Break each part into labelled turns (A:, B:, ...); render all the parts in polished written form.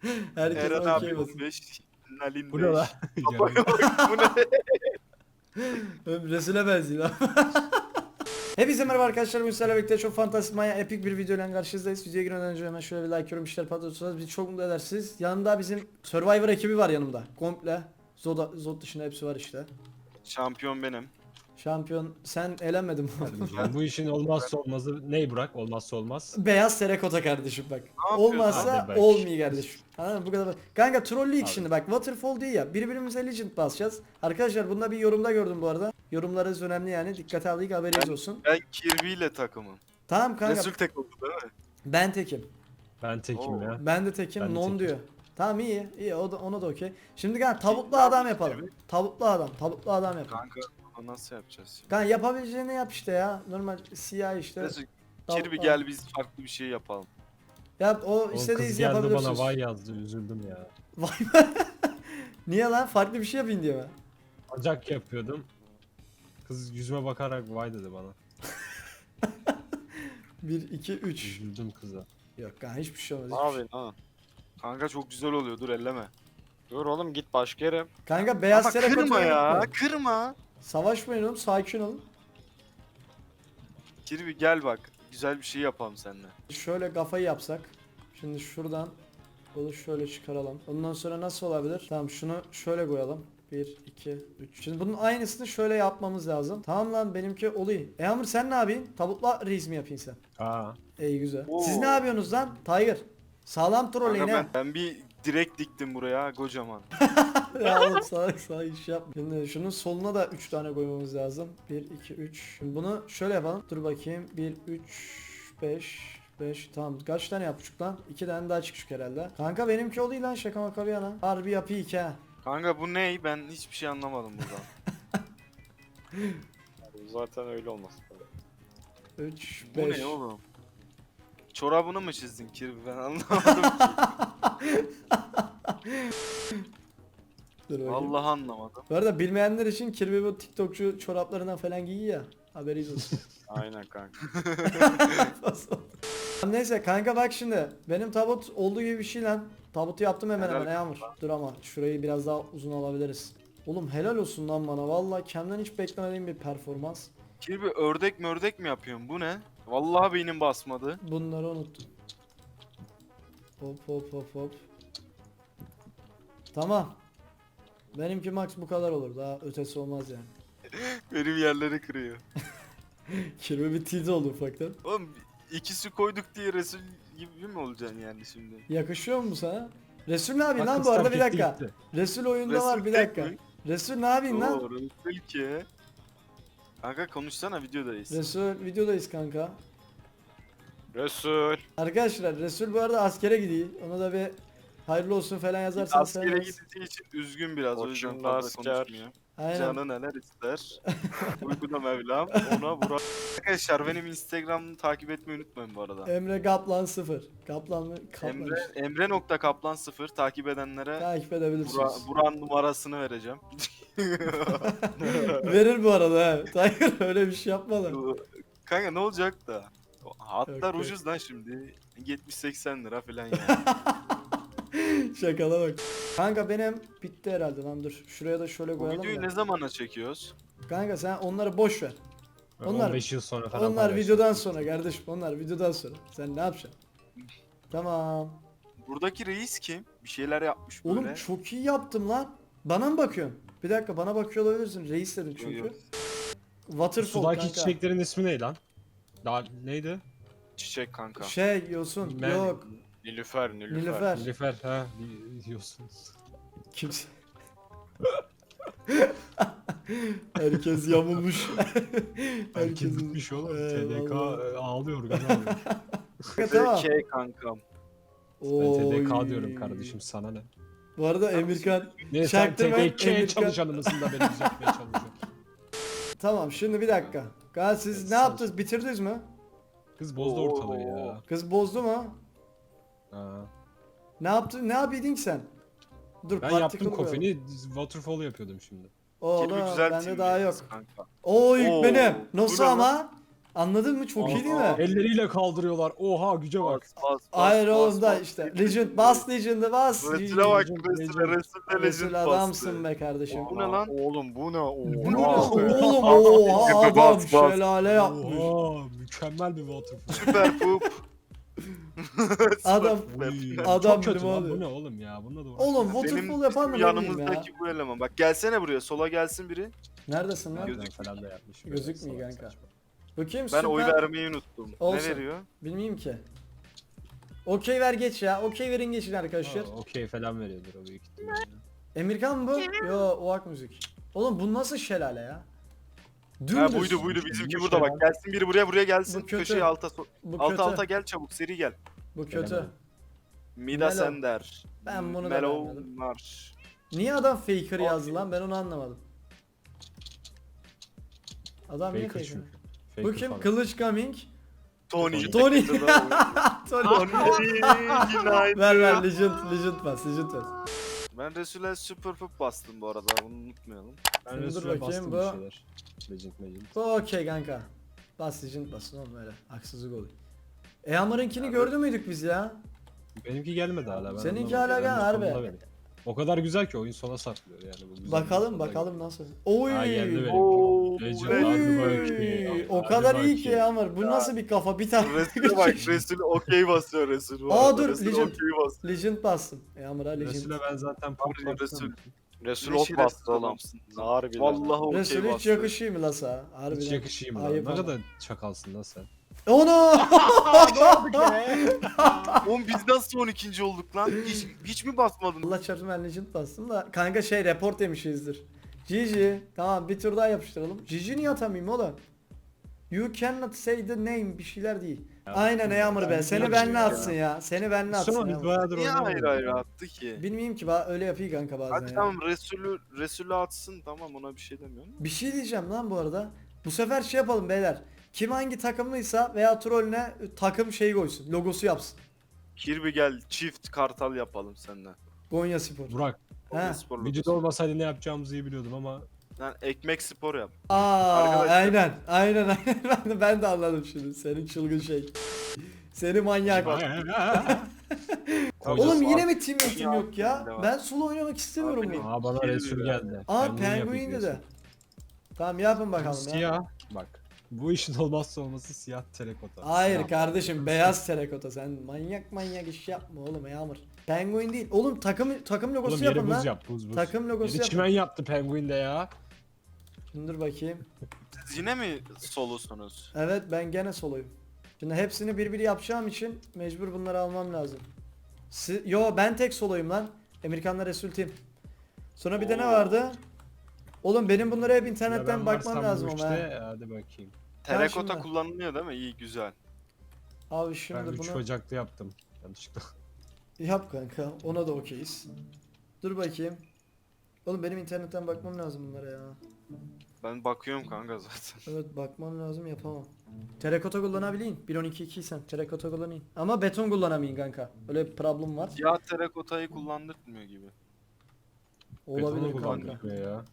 A: Herkes
B: Eren
A: okey
B: abi
A: basın.
B: 15. Nalin
C: Bu
B: 5.
C: ne lan?
B: Babaya bak, bu ne?
A: Resul'e benziyor. Hepinize merhaba arkadaşlar. Bugün sizlerle birlikte çok fantastik manya epik bir videoyla karşınızdayız. Videoya girmeden önce hemen şöyle bir like, yorum, işler patlatırsanız bizi çok mutlu edersiniz. Yanında bizim Survivor ekibi var yanımda. Komple. Zod dışında hepsi var işte.
B: Şampiyon benim.
A: Şampiyon sen elenmedin mi?
C: Yani bu işin olmazsa olmazı ne Burak? Olmazsa olmaz.
A: Beyaz terakota kardeşim bak.
B: yapıyorsun?
A: Olmazsa
C: Hadi bak.
A: olmuyor kardeşim. Anladın mı? Bu kadar. Kanka trolleyik
C: Abi.
A: şimdi bak. Waterfall değil ya. Birbirimize legend basacağız. Arkadaşlar bunda bir yorumda gördüm bu arada. Yorumlarınız önemli yani. Dikkate aldık haberiniz olsun.
B: Ben Kirby ile takımım.
A: Tamam kanka.
B: Resul tek oldu değil mi?
A: Ben tekim.
C: Ben tekim
B: Oo.
C: ya.
A: Ben de tekim.
C: Ben de
A: Non
C: tekim.
A: diyor. Tamam iyi. İyi o da, ona da okey. Şimdi kanka tavuklu
B: Ne
A: adam
B: yapıyorsun
A: yapalım.
B: Kirby?
A: Tavuklu adam. Tavuklu adam yapalım.
B: Kanka bunu nasıl yapacağız şimdi?
A: Kanka yapabileceğini yap işte ya. Normal siyah işte.
B: Resul
A: Tavuklu
B: Kirby
A: adam.
B: gel biz farklı bir şey yapalım.
A: Yap o
C: O
A: istediğiniz
C: kız geldi
A: yapabilirsiniz.
C: bana vay yazdı, üzüldüm ya.
A: Vay be. Niye lan? Farklı bir şey yapayım diye mi?
C: Acak yapıyordum. Kız yüzüme bakarak vay dedi bana.
A: 1, 2, 3.
C: Üzüldüm kıza.
A: Yok kanka hiçbir şey olmaz.
D: Ne
A: hiçbir şey.
D: yapıyorsun ha?
B: Kanka çok güzel oluyor, dur elleme.
D: Dur oğlum git başka yere.
A: Kanka beyaz
B: Ama
A: terakota
B: kırma ya,
A: unutma.
B: kırma.
A: Savaşmayın oğlum, sakin olun.
B: Kirby gel bak, güzel bir şey yapalım seninle.
A: Şöyle kafayı yapsak. Şimdi şuradan bunu şöyle çıkaralım. Ondan sonra nasıl olabilir? Tamam şunu şöyle koyalım. 1, 2, 3. Şimdi bunun aynısını şöyle yapmamız lazım. Tamam lan benimki oluyor. Amr sen ne yapıyorsun? Tavukla reis mi yapayım sen?
C: Aa.
A: İyi güzel.
B: Oo.
A: Siz ne yapıyorsunuz lan? Tiger. Sağlam troll
B: Kanka
A: yine.
B: ben bir direkt diktim buraya kocaman.
A: Ya oğlum sağ iş yapma. Şimdi şunun soluna da 3 tane koymamız lazım. 1, 2, 3. Şimdi bunu şöyle yapalım. Dur bakayım. 1, 3, 5. Tamam kaç tane yapmışık lan? 2 tane daha çıkışık herhalde. Kanka benimki oluyor lan şaka maka bir yana. Harbi yapıyı ki ha.
B: Kanka bu ney? Ben hiçbir şey anlamadım buradan.
D: Zaten öyle olmaz.
A: 3,
B: Bu
A: 5.
B: ne oğlum? Çorabını mı çizdin Kirby, ben anlamadım ki.
A: Dur bakayım.
B: Vallahi anlamadım.
A: Bu arada bilmeyenler için Kirby bu TikTokçu çoraplarından falan giyiyor ya. Haberiniz olsun.
D: Aynen kanka.
A: Neyse kanka bak şimdi. Benim tabut olduğu gibi bir şey lan. Tabutu yaptım hemen
B: Helal
A: hemen Yağmur. Dur ama şurayı biraz daha uzun alabiliriz. Oğlum helal olsun lan bana. Vallahi kendimden hiç beklemediğim bir performans.
B: Kirby ördek mördek mi yapıyorsun? Bu ne? Vallahi beynim basmadı.
A: Bunları unuttum. Hop. Tamam. Benimki max bu kadar olur. Daha ötesi olmaz yani.
B: Benim yerleri kırıyor.
A: Kirby bir tilt oldu ufaktan.
B: Oğlum ikisi koyduk diye Resul gibi mi olacaksın yani şimdi?
A: Yakışıyor mu bu sana? Resul ne yapayım
C: Bak
A: lan
C: kız
A: bu arada
C: terk
A: bir
C: etti
A: dakika.
C: gitti.
A: Resul oyunda
B: Resul
A: var bir
B: tek
A: dakika.
B: mi?
A: Resul ne yapayım lan?
B: Oo, Resul ki. Kanka konuşsana, videodayız.
A: Resul videodayız kanka.
D: Resul.
A: Arkadaşlar Resul bu arada askere gidiyor. Ona da bir hayırlı olsun falan yazarsanız
B: Askere
A: seviniriz.
B: gideceği için üzgün biraz, o yüzden
D: Boşuna
B: fazla
D: asker.
B: konuşmuyor.
A: Aynen.
B: Canı neler ister. Uykuda Mevlam ona vurar. Arkadaşlar benim Instagram'ı takip etmeyi unutmayın bu arada.
A: Emre Kaplan 0. Kaplan mı? Kaplan.
B: Emre,
A: işte.
B: Emre.kaplan0 takip edenlere
A: Takip edebilirsiniz.
B: Buran numarasını vereceğim.
A: Verir bu arada he. Tiger öyle bir şey yapma da.
B: Kanka ne olacak da? Hatlar
A: Yok.
B: ucuz lan şimdi. 70-80 lira falan yani.
A: Şakala bak. Kanka benim bitti herhalde lan dur. Şuraya da şöyle
B: Bu
A: koyalım
B: videoyu
A: da.
B: ne zamana çekiyoruz?
A: Kanka sen onları boş ver.
C: Ben
A: Onlar-
C: 15 yıl sonra falan
A: Onlar
C: paylaştım.
A: videodan sonra kardeşim. Onlar videodan sonra. Sen ne yapacaksın? Tamam.
B: Buradaki reis kim? Bir şeyler yapmış böyle.
A: Oğlum çok iyi yaptım lan. Bana mı bakıyorsun? Bir dakika bana bakıyor olabilirsin. Reis dedim çünkü.
B: Yok.
A: Waterfall
C: Sudaki
A: kanka.
C: çiçeklerin ismi ne lan? Daha neydi?
B: Çiçek kanka.
A: Şey Yosun.
C: Ben-
A: Yok.
D: Nilüfer.
A: Nilüfer.
C: Nilüfer ha diyorsunuz.
A: Kimse. Herkes yamulmuş.
C: Herkes bitmiş oğlum. TDK
A: vallahi.
C: ağlıyor gaz ağlıyor.
A: Kanka, tamam.
B: Şey kankam.
C: Ben
A: Oy.
C: TDK diyorum kardeşim, sana ne?
A: Bu arada Emirkan.
C: Ne sen
A: Çaktırma,
C: TDK
A: Emirkan.
C: çalışanı mısın da beni düzeltmeye çalışıyorsun?
A: Tamam şimdi bir dakika. Gal siz
C: Evet,
A: ne
C: sağ ol.
A: yaptınız? Bitirdiniz mi?
C: Kız bozdu ortalığı ya.
A: Kız bozdu mu?
C: Ha.
A: Ne yaptın? Ne yapıyordun ki sen? Dur
C: Ben
A: particle
C: yaptım
A: koyalım.
C: kofini, waterfall yapıyordum şimdi.
A: Oğlum
B: Kirby güzel
A: bende
B: team
A: daha yok.
B: yalnız kanka.
A: Oo yük
B: Oo,
A: benim.
B: bu
A: Nasıl
B: ne
A: ama? Anladın mı? Çok iyi değil mi?
C: Elleriyle kaldırıyorlar. Oha güce bak.
B: Bas.
A: Hayır oğlum da işte. Legend bas Legend'ı bas.
B: Resul'e bak.
C: Legend,
B: Resul'e
C: Legend.
B: Resul
A: Resul
B: Legend
A: adamsın
B: bastı.
A: be kardeşim.
B: Bu ne lan?
D: Oğlum bu ne?
A: Bu ne
D: Oha.
A: lan? Oğlum oha adam
B: Bas, bas.
A: şelale yapmış.
C: Oha mükemmel bir waterfall.
B: Süper poop.
A: Adam-
C: Uy,
A: Adam
C: çok kötü
A: gibi
C: lan
A: oluyor.
C: bu ne oğlum ya bununla da uğraş.
A: Oğlum
B: Benim
A: waterfall yapan mı
B: bizim
A: ne bileyim ya.
B: yanımızdaki bu eleman. Bak gelsene buraya. Sola gelsin biri.
A: Neredesin lan?
B: Göz-
C: Gözük falan da yapmış.
A: Gözükmüyor
C: Salak
A: kanka.
C: saçma.
A: Bakayım
B: Ben
A: süper.
B: oy vermeyi unuttum.
A: Olsun.
B: Ne veriyor?
A: Bilmiyorum ki. Okey ver geç ya. Okey verin geçin arkadaşlar.
C: Aa, okey falan veriyordur o büyük ihtimalle.
A: Emirkan mı bu? Yo oak müzik. Oğlum bu nasıl şelale ya?
B: Ha
A: Dümdüz.
B: buydu bizimki
C: Bu
B: burada
C: şey
B: bak. Gelsin biri buraya gelsin.
A: Bu kötü.
B: Köşeye alta
A: Bu kötü.
B: alta gel çabuk seri gel.
A: Bu kötü.
C: Gelemedim.
B: Mida
A: Melo.
B: Sender.
A: Ben bunu da
B: Mellow
A: beğenmedim.
B: Marsh.
A: Niye adam faker yazdı lan? Ben onu anlamadım. Adam niye
C: Faker
A: faker?
C: çünkü.
A: Bu
C: Faker
A: kim?
C: falan.
A: Kılıç Coming.
B: Tony.
A: Tony.
B: Tony. Günaydın.
A: Ver Legend bas Legend bas.
B: Ben Resul'e Super Pup bastım bu arada. Bunu unutmayalım.
C: Ben
A: Şimdi dur
C: Resul'e
A: bakayım,
C: bastım
A: bu-
C: bir şeyler. Legend.
A: Bu okey kanka. Bas Legend basın oğlum öyle. Haksızlık oluyor. Eamar'ınkini
B: Ya
A: gördü müydük biz ya?
C: Benimki gelmedi hala. Ben
A: Seninki
C: anlamadım.
A: hala gel,
C: Ben
A: harbi.
C: sonunda benim. O kadar güzel ki oyun sona saklıyor yani. Bu güzel.
A: Bakalım
C: Sonunda
A: bakalım nasıl. Oy.
C: Ha, geldi benim.
B: Oo,
C: Legend,
B: Legend.
C: hadi bakayım.
A: Oy. O
C: Hadi
A: kadar iyi ki
C: bakayım.
A: Eamar. Bu nasıl bir kafa? Bir tane.
B: Resul'e bak. Resul okey basıyor Resul. bu
A: Aa,
B: arada.
A: dur,
B: Resul
A: Legend.
B: okey basıyor.
A: Legend bastım. Eamar'a Legend.
C: Resul'e ben zaten
B: Abi,
C: pop
B: Resul.
D: Resul
B: Ne
D: ok
B: şerefsiz
D: bastı oğlum.
B: adamsın lan.
D: Harbiden.
B: Vallahi okey
A: Resul hiç
B: basıyor.
A: yakışıyor mu la sana? Harbiden.
C: Hiç yakışayım lan.
A: Ayıp
C: Ne
A: ama.
C: kadar çakalsın lan sen.
A: Onu!
B: Oğlum biz nasıl 12. olduk lan? Hiç mi basmadın?
A: Allah çarpsın ben Legend bastım da kanka şey report yemişizdir. GG. Tamam bir tur daha yapıştıralım. GG niye atamayayım oğlum? You cannot say the name bir şeyler değil.
C: Ya,
A: Aynen Eamur be. Seni
C: bilmiyorum
A: benle
C: ya.
A: atsın ya. Seni benle atsın.
C: Sonra biz
A: Eamur.
C: bayağıdır
B: Niye
C: oynamıyoruz
B: ayrı
C: ya.
B: attı ki?
A: Bilmiyorum ki öyle yapıyor kanka bazen
B: Hadi
A: ya.
B: tamam Resul'ü atsın tamam ona bir şey demiyorum.
A: Bir şey diyeceğim lan bu arada. Bu sefer şey yapalım beyler. Kim hangi takımlıysa veya trollüne takım şeyi koysun. Logosu yapsın.
B: Kirby gel çift kartal yapalım seninle.
A: Gonya Spor.
C: Burak,
A: He.
B: Spor
C: vücut
B: logosu.
C: olmasaydı ne yapacağımızı iyi biliyordum ama
B: Lan ekmek spor yap.
A: Aa
B: Arkadaşlar.
A: aynen ben de anladım şimdi senin çılgın şey. Seni manyak.
C: Koyacağız.
A: Oğlum yine
B: Abi,
A: mi team meeting yok ya?
B: aklımda var.
A: Ben solo oynamak istemiyorum
B: Abi,
A: bunu.
C: Aa bana
B: Kirby
C: Resul
B: be.
C: geldi.
A: Aa
C: Penguin
A: Penguin
C: yapayım
A: de.
C: diyorsun.
A: Tamam yapın bakalım ya.
C: Siyah. Bak. Bu işin olmazsa olması siyah terakota.
A: Hayır
C: Siyah.
A: kardeşim beyaz terakota sen manyak iş yapma oğlum Yağmur. Penguin değil. Oğlum takım logosu
C: Oğlum yeri
A: yapın
C: buz
A: lan.
C: yap buz.
A: Takım logosu
C: Yeri
A: yapın.
C: çimen yaptı Penguin de ya.
A: Şimdi dur bakayım.
B: Siz yine mi solosunuz?
A: Evet ben gene soloyum. Şimdi hepsini birbiri yapacağım için mecbur bunları almam lazım. Yo ben tek soloyum lan. Amerikanlar Resul Team. Sonra bir de ne
B: Oo.
A: vardı? Oğlum benim bunlara hep
C: Ya
A: internetten
C: ben
A: bakmam
C: varsam
A: lazım
C: bu
A: ama.
C: işte, hadi bakayım.
B: Terakota
A: şimdi-
B: kullanılıyor değil mi? İyi güzel.
A: Abi
C: Ben
A: şimdi
C: 3
A: bunu
C: Ocak'ta yaptım. Yanlışlıkla.
A: yap kanka. Ona da okeyiz. Dur bakayım. Oğlum benim internetten bakmam lazım bunlara ya.
B: Ben bakıyorum kanka zaten.
A: Evet bakmam lazım yapamam. Terakota kullanabileyim. 1.12.2 sen terakota kullanayım. Ama beton kullanamayın kanka. Öyle bir problem var.
B: Ya terakotayı kullandırtmıyor gibi.
A: Olabilir
C: Betonu
A: kanka.
C: kullandık ya.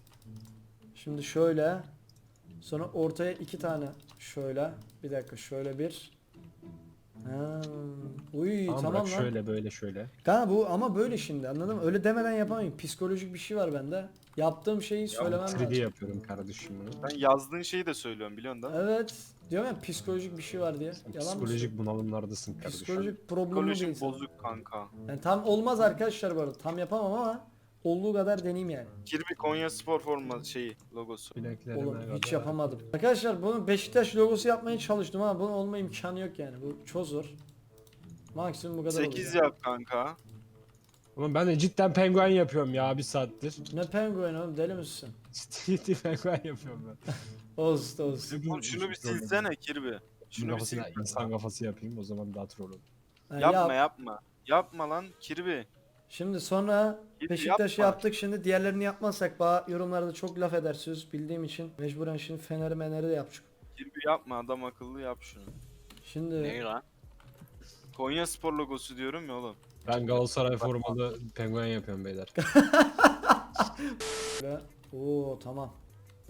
A: Şimdi şöyle. Sonra ortaya 2 tane. Şöyle. Bir dakika şöyle bir. Ha. Uy
C: Tamam,
A: tamam
C: bırak
A: lan.
C: şöyle böyle şöyle.
A: Kanka bu ama böyle şimdi anladın mı? Öyle demeden yapamayın. Psikolojik bir şey var bende. Yaptığım şeyi söylemem
C: 3D
A: lazım.
C: yapıyorum kardeşim bunu.
B: Ben yazdığın şeyi de söylüyorum biliyorsun da.
A: Evet. Diyorum ya psikolojik bir şey var diye.
C: Sen
A: Yalan mı?
C: psikolojik bunalımlardasın kardeşim.
A: Psikolojik problemi
B: Psikolojik
A: değil.
B: bozuk kanka.
A: Yani tam olmaz arkadaşlar bu arada. Tam yapamam ama olduğu kadar deneyeyim yani.
B: Kirby Konya Spor forma şeyi logosu.
C: Bileklerime
A: Oğlum hiç
C: kadar.
A: yapamadım. Arkadaşlar bunu Beşiktaş logosu yapmaya çalıştım ama bunun olma imkanı yok yani. Bu çok zor. Maksimum bu kadar
B: 8
A: olur.
B: yap kanka.
C: Oğlum ben de cidden penguen yapıyorum ya bir saattir.
A: Ne penguen oğlum deli misin?
C: Ciddi penguen yapıyorum ben.
A: Olsun.
B: Oğlum şunu bir silsene Kirby.
C: Şunun
B: Şunu bir sil.
C: kafasına insan kafası yapayım o zaman daha troll olur.
A: Ha,
B: Yapma
A: yap.
B: yapma. Yapma lan Kirby.
A: Şimdi sonra
B: Kirby
A: Beşiktaş'ı
B: yapma.
A: yaptık. Şimdi diğerlerini yapmazsak bana yorumlarda çok laf edersiniz bildiğim için. Mecburen şimdi Fener'i de yapacak.
B: Kirby yapma adam akıllı yap şunu.
A: Şimdi
B: lan? Konya Spor logosu diyorum ya oğlum.
C: Ben Galatasaray formalı penguen yapıyorum beyler.
A: Oo tamam.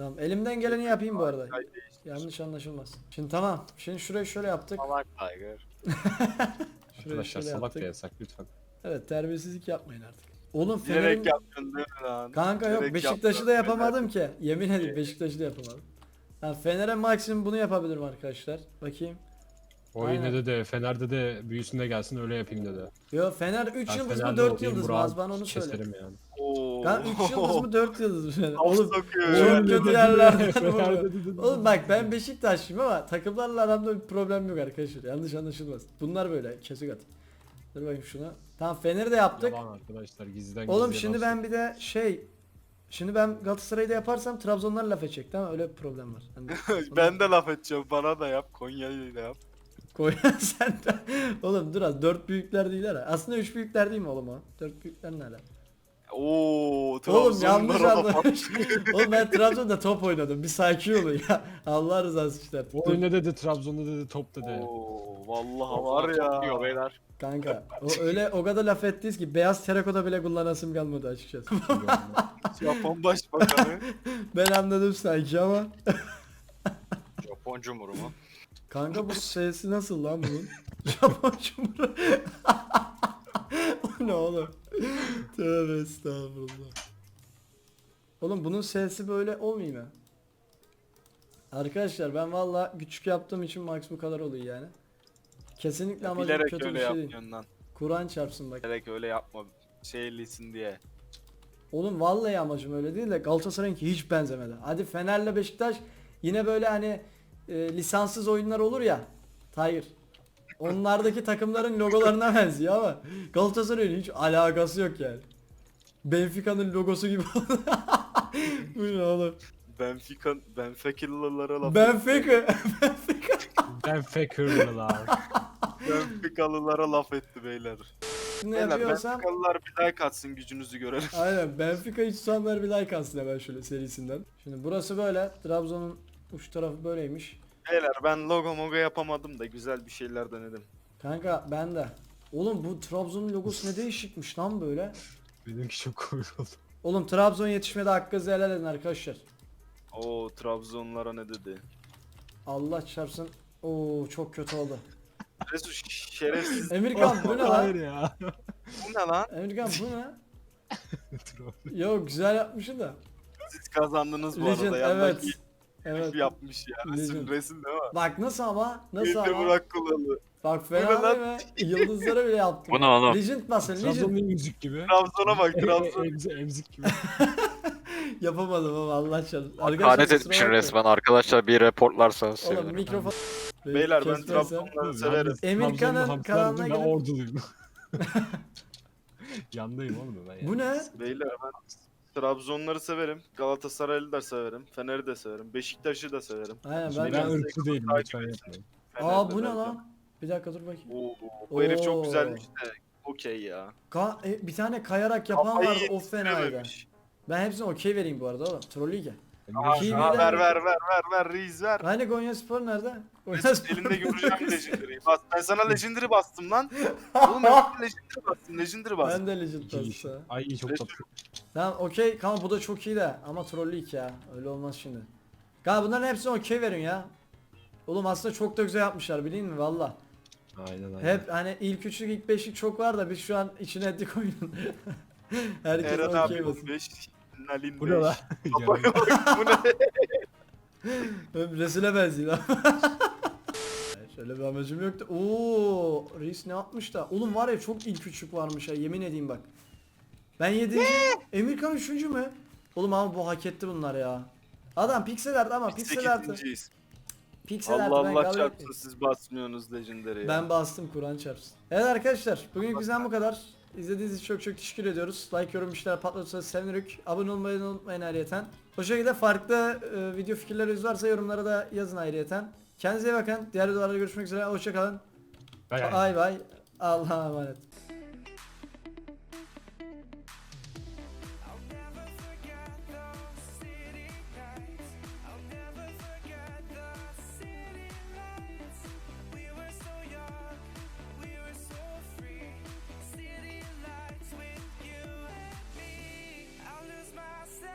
A: Tamam elimden geleni yapayım bu arada. Yanlış anlaşılmaz. Şimdi tamam. Şimdi şurayı şöyle yaptık.
D: Salak Tiger.
A: Şurayı
C: Arkadaşlar
A: şöyle
C: salak da
A: yaptık.
C: yasak lütfen.
A: Evet terbiyesizlik yapmayın artık. Oğlum
B: Bilerek
A: Fener'in...
B: yaptın değil mi lan?
A: Kanka yok
B: Bilerek
A: Beşiktaş'ı
B: yaptın.
A: da yapamadım ki. Yemin ederim Beşiktaş'ı da yapamadım. Ha, Fener'e maksimum bunu yapabilirim arkadaşlar. Bakayım.
C: O
A: Aynen.
C: yine de Fener'de de büyüsünde gelsin öyle yapayım dedi.
A: Yo Fener 3
C: Ben
A: yıldız mı
C: Fener'de
A: 4
C: olayım,
A: yıldız mı?
C: Burak'ı
A: Az bana onu söyle.
C: keserim yani.
B: Oo.
A: Kan 3 yıldız mı 4 yıldız mı Fener?
B: Of
A: Oğlum
B: sokuyor
A: çok
B: ya.
A: kötü yerlerden
C: Fener'de
A: vuruyor.
C: dedi.
A: Oğlum bak ben Beşiktaşlıyım ama takımlarla aramda bir problem yok arkadaşlar. Yanlış anlaşılmaz. Bunlar böyle kesik at. Dur bakayım şuna. Tamam Fener'i de yaptık.
C: Yalan arkadaşlar gizliden
A: Oğlum
C: gizliye
A: şimdi
C: laf
A: ben bir de Şimdi ben Galatasaray'ı da yaparsam Trabzonlar laf edecek tamam öyle bir problem var. Hani
B: Ben de laf edeceğim. Bana da yap. Konya'yı da yap.
A: koy sen de. Oğlum dur az 4 büyükler değil ha. Aslında 3 büyükler değil mi oğlum o? 4 büyükler ne ala?
B: Oo.
A: Oğlum yanlış
B: Trabzonlara laf
A: anlamış. Oğlum ben Trabzon'da top oynadım. Bir sakin olun ya. Allah rızası için.
C: O oyunda dedi Trabzon'da dedi top dedi.
B: Oo. Vallahi var
D: Topluyor
B: ya.
D: beyler.
A: Kanka o kadar laf ettiniz ki beyaz terakoda bile kullanasım kalmadı açıkçası.
B: Japon başbakanı.
A: Ben anladım sanki ama.
D: Japon Cumhuru mu?
A: Kanka bu sesi nasıl lan bunun? Japon Cumhuru. O ne oğlum? Tövbe estağfurullah. Oğlum bunun sesi böyle olmuyor mu? Arkadaşlar ben valla küçük yaptığım için max bu kadar oluyor yani. Kesinlikle amacım
B: Bilerek
A: kötü bir
B: öyle
A: şey değil.
B: yapıyorsun lan.
A: Kur'an çarpsın bak.
B: Bilerek öyle yapma. Şeylisin diye.
A: Oğlum vallahi amacım öyle değil de Galatasaray'ınki hiç benzemedi. Hadi Fener'le Beşiktaş yine böyle hani lisanssız oyunlar olur ya. Hayır. Onlardaki takımların logolarına benziyor ama Galatasaray'ın hiç alakası yok yani. Benfica'nın logosu gibi oldu. Bu ne oğlum?
B: Benfica'lılara laf
A: Benfica.
C: Ben Fakir'lılar.
B: Benfica'lılara laf etti beyler.
A: Ne
B: Beyler
A: yapıyorsam
B: Benfica'lılar bir like atsın gücünüzü görelim.
A: aynen Benfica hiç tutanlar bir like alsın hemen şöyle serisinden. Şimdi burası böyle. Trabzon'un uç tarafı böyleymiş.
B: Beyler ben logo mogo yapamadım da güzel bir şeyler denedim.
A: Kanka ben de. Oğlum bu Trabzon'un logosu ne değişikmiş lan böyle.
C: Benimki çok komik oldu.
A: Oğlum Trabzon yetişmede hakkınızı helal edin arkadaşlar.
B: Oo Trabzonlara ne dedi?
A: Allah çarpsın. Oo çok kötü oldu.
B: Resul şerefsiz.
A: Emirkan bu ne
C: Hayır
A: lan?
C: ya.
B: Bu ne lan?
A: Emirkan bu ne?
C: Troll.
A: Yok güzel yapmışsın da.
B: Siz kazandınız bu
A: Legend
B: arada.
A: evet.
B: Yandaki
A: Evet.
B: yapmış ya.
A: Legend.
B: Resim değil mi?
A: Bak nasıl ama? Nasıl
B: Bir de
A: ama?
B: Burak Kulalı.
A: Bak
B: Bu ne
A: fena
B: lan?
A: değil mi? Yıldızlara bile yaptım.
D: Bu ne oğlum?
A: Legend basın Legend.
C: Trabzon'un müzik gibi.
B: Trabzon'a bak Trabzon.
C: Emzik gibi.
A: Yapamadım ama Allah çarpsın.
D: Hakaret
A: kusura
D: etmişsin
A: bakmayın.
D: resmen arkadaşlar bir reportlarsanız
A: Oğlum
D: sevinirim.
A: mikrofon.
B: Beyler ben
A: Kesmezsem-
B: Trabzonları severim.
A: Emirkan'ın
C: Trabzon'da
A: kanalına
C: hamsi aldım, ben
A: gidin.
C: orduluyum. Yandayım oğlum ben ya.
A: Bu ne?
B: Beyler ben Trabzonları severim. Galatasaray'ı da severim. Fener'i de severim. Beşiktaş'ı da severim.
A: Aynen
C: Şimdi
A: ben
C: ben
A: de.
C: ırkçı değilim
B: Takip
C: lütfen
B: etsin.
C: yapmayın.
A: Aa bu ne
B: Fener'de
A: lan? Bir dakika dur bakayım.
B: Oo, bu herif
A: Oo.
B: çok güzelmiş de. Okey ya.
A: Bir tane kayarak yapan
B: Kafayı
A: vardı o fenaydı.
B: yetiştirememiş.
A: Ben hepsine okey vereyim bu arada oğlum. Trollüyken.
B: Aa,
A: TV'den
B: ver ver Reis ver.
A: Hani Konya Spor nerede? Konya
B: Mesut
A: Spor.
B: elinde göreceğim Legendary'i. Bas, ben sana Legendary bastım lan. Oğlum ben sana Legendary bastım. Legendary bastım.
A: Ben de Legend
C: İki iş.
A: bastı.
C: Ay iyi çok
B: Resul.
C: tatlı.
A: Tamam okey. Kanka bu da çok iyi de ama trollük ya. Öyle olmaz şimdi. Kanka bunların hepsine okey verin ya. Oğlum aslında çok da güzel yapmışlar bilin mi valla.
C: Aynen aynen.
A: Hep hani ilk üçlük ilk beşlik çok var da biz şu an içine ettik oyunun. Herkes
B: Eren abi
A: okey basın.
B: 15. Nalin 5.
C: Bu ne lan?
B: Kafaya bak bu ne?
A: Resul'e benziyor. Şöyle bir amacım yoktu. Oo, reis ne yapmış da? Oğlum var ya çok ilk üçlük varmış ha yemin edeyim bak. Ben 7. Emirkan 3. mü? Oğlum ama bu hak etti bunlar ya. Adam piksel art ama piksel artı.
B: 8.yiz.
A: Piksel
B: Allah
A: artı ben
B: Allah
A: kabul
B: çarpsın
A: etmiyorum.
B: siz basmıyorsunuz Legendary'e.
A: Ben bastım Kur'an çarpsın. Evet arkadaşlar bugün bizden bu kadar. İzlediğiniz için çok teşekkür ediyoruz. Like, yorum, işler patlatırsanız sevinirik. Abone olmayı da unutmayın ayrıyeten. O şekilde farklı video fikirleriniz varsa yorumlara da yazın ayrıyeten. Kendinize iyi bakın. Diğer videolarda görüşmek üzere. Hoşçakalın.
C: Bay bay.
A: Bay bay. Allah'a emanet.